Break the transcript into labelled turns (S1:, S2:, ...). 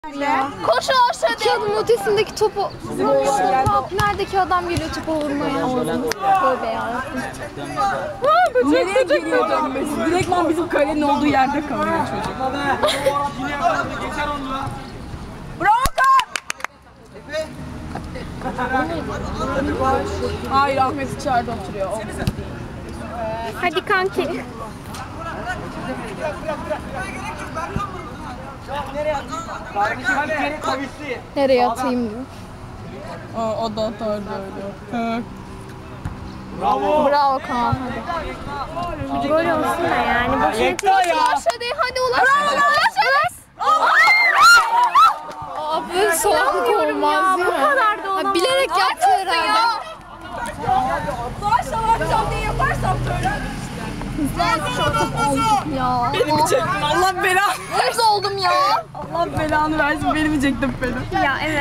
S1: Koşun aşağıya.
S2: Kağıdın ötesindeki topu vurmuşlar. Neredeki adam geliyor topu vurmaya? Tövbe ya.
S3: Nereye geliyor dönmesi? Direktman bizim kalenin olduğu yerde kalıyor çocuk. Bravo Kaan! Hayır, Ahmet içeride oturuyor.
S2: Hadi kanki. Nereye atayım diyor.
S3: O da atardı öyle.
S2: Bravo Kaan hadi. Gol olsun da yani. Boşuna aşağıya hadi ulaş. Abi böyle soğuk olmaz değil mi? Bu kadar da olamaz. Bilerek yaptı herhalde.
S3: Akşam diye yaparsam böyle.
S2: Ya.
S3: Beni mi çektin? Allah belanı.
S2: Hırs oldum ya.
S3: Allah belanı versin, beni mi çektin beni?
S2: Ya evet.